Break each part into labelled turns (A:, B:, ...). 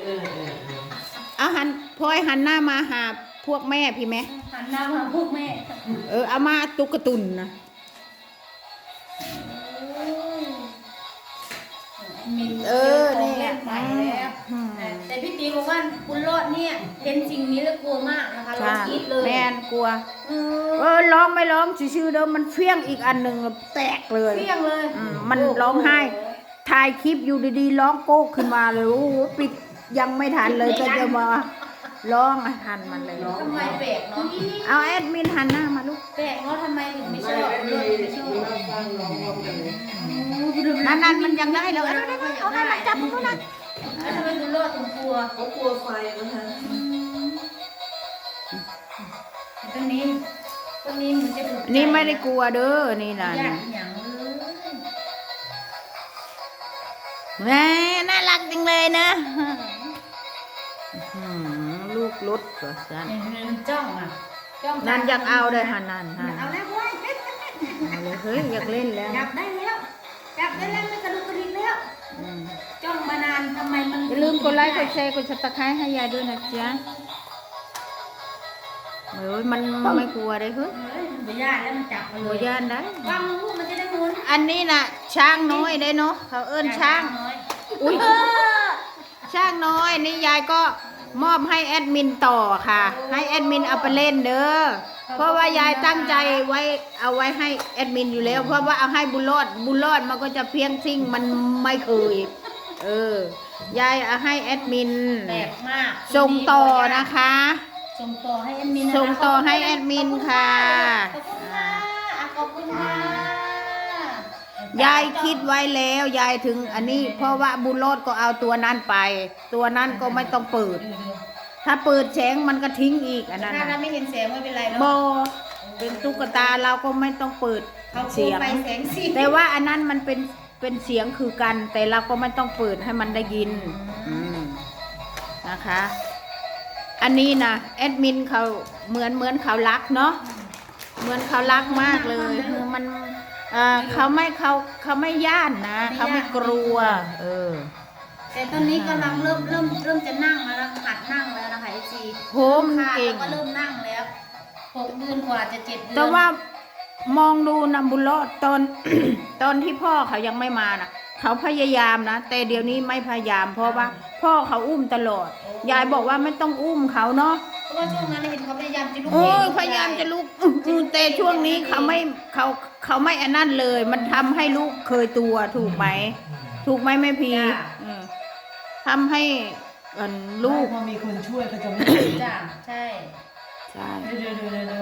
A: เอาหันพลอยหันหน้ามาหาพวกแม่พี่ไหม
B: หันหน้ามาพวกแม่
A: เอามาตุ๊กตุนนะ
B: นี่แหละใหม่แล้วแต่พี่ตีบอกว่าคุณรอดเนี่ยเห็นสิ่งนี้แล้วกลัวมากนะคะร้องกรี๊ดเลย
A: แม่นกลัวร้องไม่ร้องชื่อเดิมมันเฟี้ยงอีกอันหนึ่งแตกเลย
B: เฟี้ยงเลย
A: มันร้องไห้ถ่ายคลิปอยู่ดีๆร้องโก๊กขึ้นมาเลยโอ้โหปิดยังไม่ทันเลยก็จะมาร้องทันมันเลย
B: ทำไมแปลกเนาะ
A: เอาแอดมินหันหน้ามาลูก
B: แปลกเนาะทำไมถึงไม่ชอบเลยไม่ชอบ
A: นั่นมันยังได้เลยเอาให้มันจับเขานะ
B: ทำไมคุณรอดถึงกลัว
C: เขากลัวไฟนะคะ
B: ตัวนี้มันจะ
A: นี่ไม่ได้กลัวเด้อนี่นะแม่น่ารักจังเลยนะลูกรถก็สั่น
B: จ้องอ่ะ
A: นั่นอยากเอาเลยหันนั่น
B: เอาแล้วเว้ย
A: เฮ้ยอยากเล่นแล้ว
B: จับได้แล้วไม่กระดุกกระดิกแล้วจ้องมานานทำไมมัน
A: อย่าลืมกดไลค์กดแชร์กดซับสไครต์ให้ยายด้วยนะจ๊ะมันไม่กลัวเลย
B: ไม่ยากแล้วมันจับมาเลย
A: ย่านได้
B: วางลูกมันจะได้หมุน
A: อันนี้น่ะช้างน้อยได้เนาะเขาเอิ้นช้างอุ้ยช้างน้อยนี่ยายก็มอบให้แอดมินต่อค่ะให้แอดมินเอาไปเล่นเด้อเพราะว่ายายตั้งใจไว้เอาไว้ให้แอดมินอยู่แล้วเพราะว่าเอาให้บุญรอดมันก็จะเพียงซิ่งมันไม่เคยยายเอาให้แอดมิน
B: แปลกมาก
A: ส่งต่อนะคะ
B: ส่งต่อให้แอดมิน
A: ส่งต่อให้แอดมินค่ะ
B: ขอบคุณค่ะ
A: ยายคิดไว้แล้วยายถึงอันนี้เพราะว่าบุญรอดก็เอาตัวนั้นไปตัวนั้นก็ไม่ต้องเปิดถ้าเปิดแสงมันก็ทิ้งอีกอันนั้น
B: ถ้าไม่เห็นแสงไม่เป็นไร
A: โบเป็นตุ๊กตาเราก็ไม่ต้องเปิดเสียงแต่ว่าอันนั้นมันเป็นเสียงคือกันแต่เราก็ไม่ต้องเปิดให้มันได้ยินนะคะอันนี้นะแอดมินเขาเหมือนเขารักเนาะเหมือนเขารักมากเลยมันเขาไม่ย่านนะเขาไม่กลัว
B: แต่ตอนนี้กำลังเริ่มจะนั่งแล้วหัดนั่งแล้วนะคะไอซี
A: โหมเก่ง
B: ก็เริ่มนั่งแล้ว6 เดือนกว่าจะ7 เดือน
A: แต่ว่ามองดูนะบุญรอดตอนที่พ่อเขายังไม่มานะเขาพยายามนะแต่เดี๋ยวนี้ไม่พยายามเพราะว่าพ่อเขาอุ้มตลอดยายบอกว่าไม่ต้องอุ้มเขาเนาะ
B: เพราะว่าช่วงนั้นเห็นเขาพยายามจะลุก
A: พยายามจะลุกแต่ช่วงนี้เขาไม่อันนั้นเลยมันทำให้ลูกเคยตัวถูกไหมแม่พีทำให้ลูก
C: พอมีคนช่วยก็จะไม่
B: จ้าใช่เดี๋ยว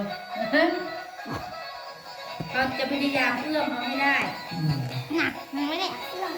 B: เราจะพยายามเอื้อมเขาไม่ได้หนักไม่ได้เอื้อม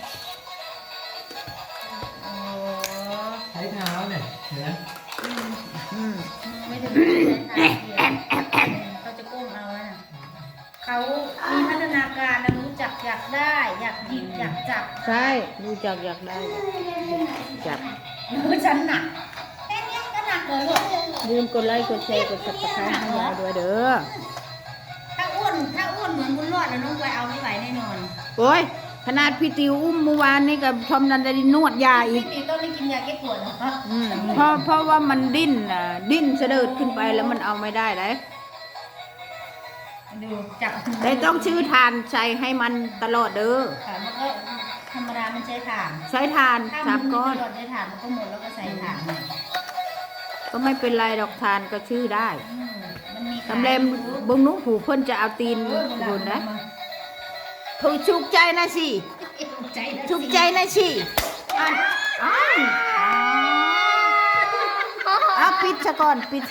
C: ใช้เท้าเนี่ยเห็นไหม
B: ไม่ถึงใช้เท้าเขาจะก้มเอานะเขามีพัฒนาการนะรู้จักอยากได้อยากหยิบอยากจับ
A: ใช่รู้จักอยากได้จับ
B: ฉันหนักแค่นี้ก็หนักเลย
A: ลืมกดไลค์กดแชร์กดซับสไครต์ให้ยายด้วยเด้อ
B: ถ้าอ้วนเหมือนบุญรอดนะน้องไวเอาไม่ไหวแน่นอน
A: โอ้ยขนาดพี่ติวอุ้มเมื่อวานนี่กับทอมนันได้นวดยาอีก
B: พี่ติวต้องได้กินยาแก้ปวดเหรอ
A: เพราะว่ามันดิ้นเสด็จขึ้นไปแล้วมันเอาไม่ได้เลย
B: ดูจับ
A: แต่ต้องชื่อทานใช้ให้มันตลอดเด้อ
B: ค่ะมันก็ธรรมดามันใช้ถ่าน
A: 3 ก้อน
B: ถ้ามันใช้ถ่านมันก็หมดแล้วก็ใส่ถ่าน
A: ก็ไม่เป็นไรดอกทานก็ชื่อได้ตำแหน่งบึงนุ้งผูเพิ่นจะเอาตีนบุญนะถูกชุกใจนะสิถูกใจนะสิเอาปิดซะก่อนปิด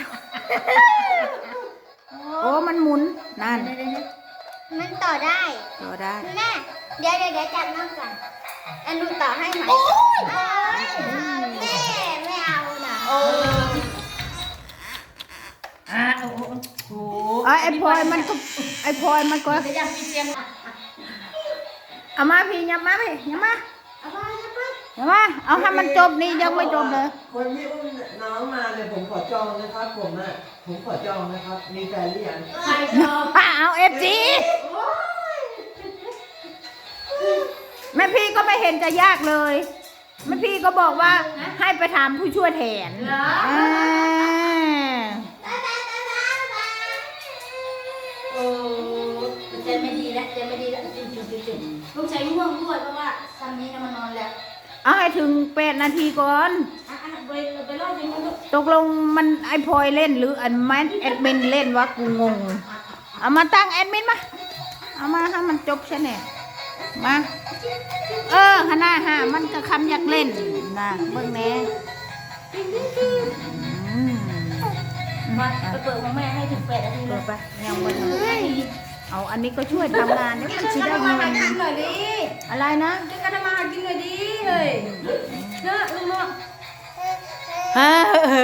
A: โอ้มันหมุนนั่น
D: มันต่อได้แม่เดี๋ยวจับน้องก่อนอันนู้นต่อให้ไหมแม่ไม่เอานะ
A: ไอ้พลอยมันก็เอามาพี่ยับมาเอาให้มันจบนี่ยังไม่จบเลย
C: คนที่อุ้มน้องมาเนี่ยผมขอจองนะครับผมขอจองนะครับมีแฟนหรือยัง
B: ใครจอง
A: เอาFG แม่พี่ก็ไม่เห็นจะยากเลยแม่พี่ก็บอกว่าให้ไปถามผู้ช่วยแทน
B: เหรอ
A: อ่า
B: โอ้ใจไม่ดีแล้วใจไม่ดีแล้วจุดลูกชายง่วงด้วยเพราะว่าซันนี้นะมันนอนแล้ว
A: เอาให้ถึง8 นาทีก่อน
B: ไปรอบนี้มันก็
A: ตกลงมันไอพลอยเล่นหรืออันแมนแอดมินเล่นวะกูงง เอามาตั้งแอดมินมา เอามาให้มันจบใช่ไหมมาฮะหน้าฮะมันก็คำอยากเล่นนะเบิ่งแน่อืม
B: มาไปเปิดของแม่ให้ถึง8 นาทีเล
A: เปิ
B: ย
A: ดไปยังวันเอาอันนี้ก็ช่วยทำงานเนี่ยมันจะได้
B: ทำมา
A: เงิ
B: หาน กินหน่อยดิ
A: อะไรนะ
B: จะกันทำมาหากินหน่อยดิเฮ้ยเนาะลุงเนาะ
A: ฮะ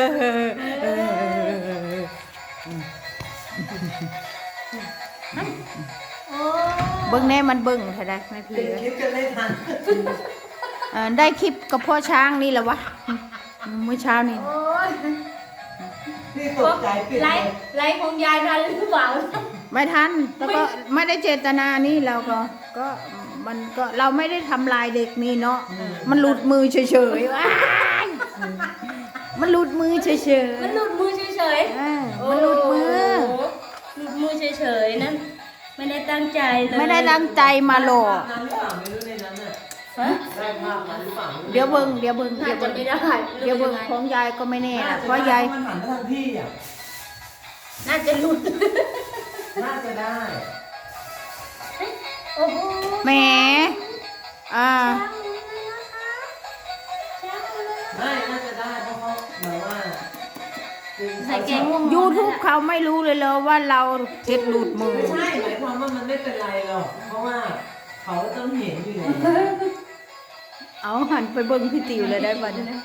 B: โอ้
A: เบิ่งแน่มันเบิ่งเท่าไรไม่พี่
C: ปิดคลิปกันไม่ทัน
A: ได้คลิปกับพ่อช้างนี่แหละวะเมื่อเช้านี่
B: โอ้ย
C: พี่ตกใจปิด
B: ไล
C: เลย
B: ฟ์ไลฟ์ของยายทันหรือเปล่า
A: ไม่ทันแล้วก็ไม่ได้เจตนานี่เราก็มันก็เราไม่ได้ทำลายเด็กนี่เนาะมันหลุดมือเฉยๆว้ายมันหลุดมือเฉยๆ
B: มันหลุดมือเฉย
A: มันหลุดมือ
B: หลุดมือเฉยๆนั่นไม่ได้ตั้งใจเลย
A: ไม่ได้ตั้งใจมาหลอก
C: นั้นหรือเปล่าไม่รู้ในนั้นน่ะ
B: ฮะ
C: ได้ภาพนั้นหรือเปล่า
A: เดี๋ยวเบิ่ง
B: น่าจะไม่ได้
A: เดี๋ยวเบิ่งของยายก็ไม่แน่นะเพราะยาย
C: มันหันมาทางพี่อ่ะ
B: น่าจะหลุด
C: น่าจะได้
B: โอ้โห
A: แหมอ่า
C: ไม่น่าจะได้เพราะเขาเหมือนว่า
B: ใส่แกงม่วง
A: YouTube เขาไม่รู้เลยเหรอว่าเราเท็ดหลุดมือ
C: ไม่ใช่หมายความว่ามันไม่เป็นไรหรอกเพราะว่าเขาต้องเห็นอยู่แล้ว
A: เอาหันไปเบิ่งพี่ติ๋วเลยได้ป่ะเนี่ย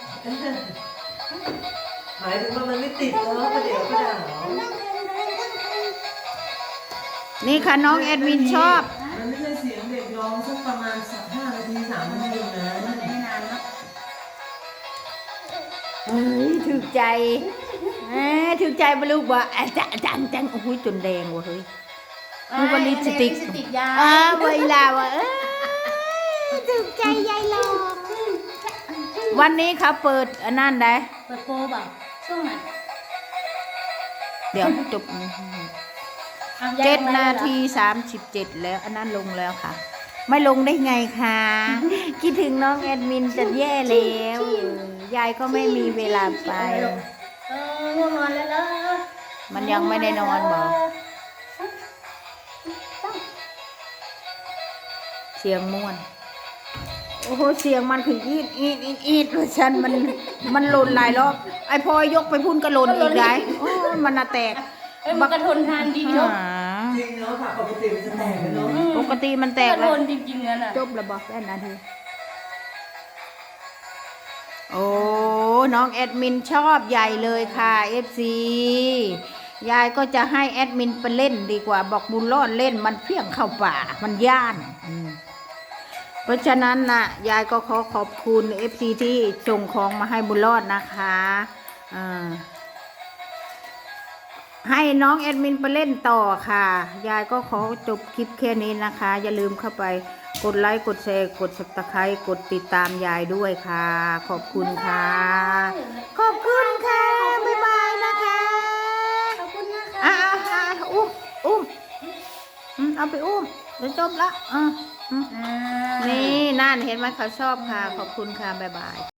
C: หมายถึงว่ามันไม่ติดแล้วก็เดี๋ยวก็ได้หรอ
A: นี่ค่ะน้องแอดมินชอบ
C: มันไม่ใช่เสียงเด็กร้องสักประมาณ5 นาที3 นาทีนะ
B: ไม่นานเนาะ
A: เฮ้ยถูกใจถูกใจบลูกว่าจังโอ้โหจนแดงว่ะเฮ้ย มันเป็นลิปสติก
B: ลิปสติกยา
A: เวลาว่ะถูกใจยายลองวันนี้เขาเปิดอันนั้นได้
B: เปิดโปรเปล่าช่วงไหน
A: เดี๋ยวจบ
B: อ่ะยายลง
A: 7
B: ม
A: นา
B: เลยเหรอ
A: ที 37แล้วอันนั้นลงแล้วค่ะ ไม่ลงได้ไงคะคิดถึงน้องแอดมินจะแย่แล้วยายก็ไม่มีเวลาไป
B: ง่วงนอนแล้วเหรอ
A: มันยังไม่ได้นอนบอก เสียงม่วน โอ้โหเสียงมันคืออีดเพราะฉันมันหล่นหลายรอบไอพอยกไปพุ่นก็หล่นอีกได้โอ้ยมันน่ะแตก
B: เอ้ยมันกระทนทานดีเนาะ
C: จริงเนาะค่ะปกติมันจะแตกกันเนาะ
A: ปกติมันแต
B: ก
A: ก
B: ระ
A: แล้
B: ท
A: วน
B: จริงๆนั่นน่ะ
A: จบแล้วบอกแค่นาทีโอ้น้องแอดมินชอบใหญ่เลยค่ะ FC ยายก็จะให้แอดมินไปเล่นดีกว่าบอกบุญรอดเล่นมันเพี้ยงเข้าป่ามันย่านเพราะฉะนั้นนะยายก็ขอบคุณ FC ที่ส่งของมาให้บุญรอดนะคะให้น้องแอดมินไปเล่นต่อค่ะยายก็ขอจบคลิปแค่นี้นะคะ อย่าลืมเข้าไปกดไลค์กดแชร์กด Subscribe กดติดตามยายด้วยค่ะ ขอบคุณค่ะ ขอบคุณค่ะบ๊ายบายนะคะ
B: ขอบคุณนะคะ
A: อุ้มเอาไปอุ้มเดี๋ยวจบละนี่นั่นเห็นไหมเขาชอบค่ะ ขอบคุณค่ะบ๊ายบาย